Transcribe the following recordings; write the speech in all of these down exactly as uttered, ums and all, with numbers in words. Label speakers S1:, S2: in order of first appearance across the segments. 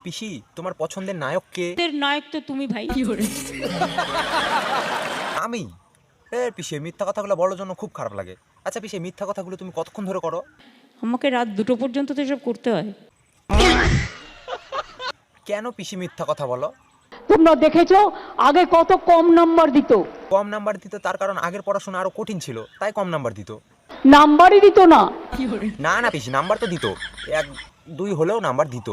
S1: পিসি তোমার পছন্দের নায়ক কে?
S2: তোর নায়ক তো তুমি ভাই।
S1: আমি? এ পিসি মিথ্যা কথাগুলো বলার জন্য খুব খারাপ লাগে। আচ্ছা পিসি মিথ্যা কথাগুলো তুমি কতক্ষণ ধরে করো?
S2: আমাকে রাত দুটো পর্যন্ত তো এসব করতে হয়।
S1: কেন পিসি মিথ্যা কথা বলো?
S3: তোমরা দেখেছো আগে কত কম নাম্বার দিত।
S1: কম নাম্বার দিত তার কারণ আগের পড়াশোনা আরো কঠিন ছিল, তাই কম নাম্বার দিত।
S3: নাম্বারই দিত না।
S1: না না পিসি নাম্বার তো দিত, এক দুই হলেও নাম্বার দিত।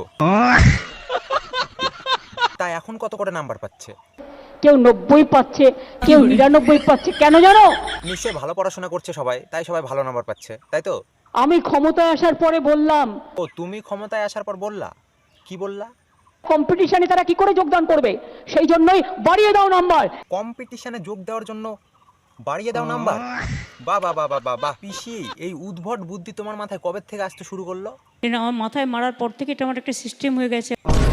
S1: তাই এখন কত করে নাম্বার পাচ্ছে?
S3: কেউ নব্বই পাচ্ছে, কেউ নিরানব্বই পাচ্ছে। কেন জানো?
S1: নিশ্চয়ই ভালো পড়াশোনা করছে সবাই, তাই সবাই ভালো নাম্বার পাচ্ছে, তাই তো?
S3: আমি ক্ষমতায় আসার পরে বললাম
S1: ও তুমি ক্ষমতায় আসার পর বললা? কি বললা?
S3: কম্পিটিশনে তারা কি করে যোগদান করবে, সেই জন্যই বাড়িয়ে দাও নাম্বার।
S1: কম্পিটিশনে যোগ দেওয়ার জন্য বাড়িয়ে দাও নাম্বার? বাহ বাহ বাহ বাহ বাহ বাহ পিসি এই উদ্ভট বুদ্ধি তোমার মাথায় কবে থেকে আসতে শুরু করলো?
S2: এটা আমার মাথায় মারার পর থেকে এটা আমার একটা সিস্টেম হয়ে গেছে।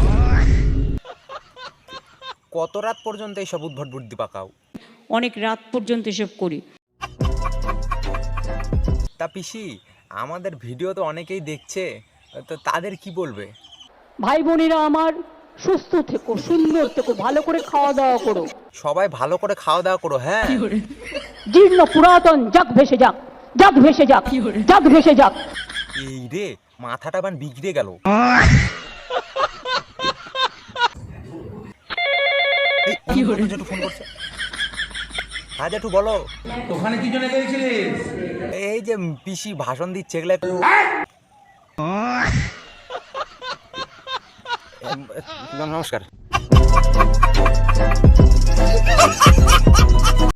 S1: কত রাত পর্যন্ত এইসব উদ্ভট বুদ্ধি পাকাও?
S2: অনেক রাত পর্যন্ত এসব করি।
S1: তা পিসি আমাদের ভিডিও তো অনেকেই দেখছে, তো তাদের কি বলবে?
S3: ভাই বোনেরা আমার, সুস্থ থেকো, সুন্দর থেকো, ভালো করে খাওয়া দাওয়া করো।
S1: সবাই ভালো করে খাওয়া দাওয়া করো। হ্যাঁ
S3: জীর্ণ পুরাতন যাক ভেসে যাক, যাক ভেসে যাক, যাক ভেসে যাক।
S1: এই রে মাথাটা বান বিগড়ে গেল। এই, অন্য কোনো জেঠু ফোন করছে। হ্যাঁ জেঠু বলো।
S4: ওখানে কি জন্য গেছিলিস?
S1: এই যে পিসি ভাষণ দিচ্ছে এগুলা একটু নমস্কার।